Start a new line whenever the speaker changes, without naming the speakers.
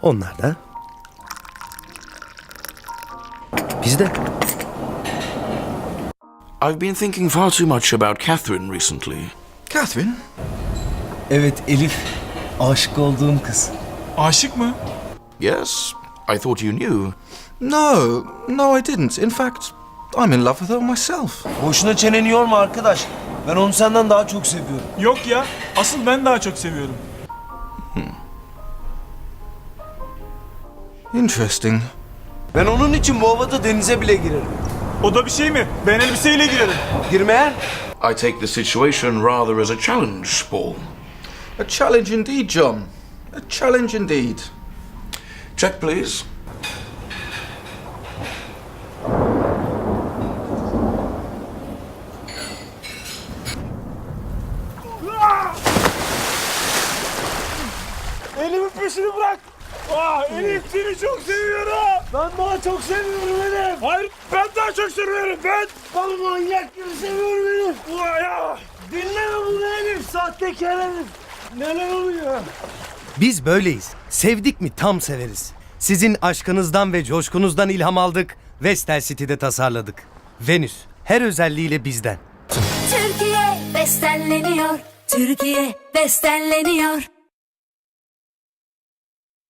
Onlar da bizde.
I've been thinking far too much about Catherine recently.
Catherine?
Evet Elif. Aşık olduğum kız.
Aşık mı?
Yes, I thought you knew.
No, I didn't. In fact, I'm in love with her myself.
Boşuna çeneni yorma arkadaş. Ben onu senden daha çok seviyorum.
Yok ya. Asıl ben daha çok seviyorum.
Interesting.
Ben onun için bu havada denize bile girerim.
O da bir şey mi? Ben elbiseyle girerim.
Girmeyen?
I take the situation rather as a challenge, Paul.
A challenge indeed, John. A challenge indeed.
Check, please.
Elif'in peşini bırak. Elif seni çok seviyorum.
Ben daha çok seviyorum Elif.
Hayır, ben daha çok seviyorum. Ben.
Ben manyak gibi seviyorum Elif.
Ya.
Dinleme bunu Elif. Sahtekar Elif. Neler oluyor?
Biz böyleyiz. Sevdik mi tam severiz. Sizin aşkınızdan ve coşkunuzdan ilham aldık. Vestel City'de tasarladık. Venüs her özelliğiyle bizden.
Türkiye bestenleniyor. Türkiye bestenleniyor.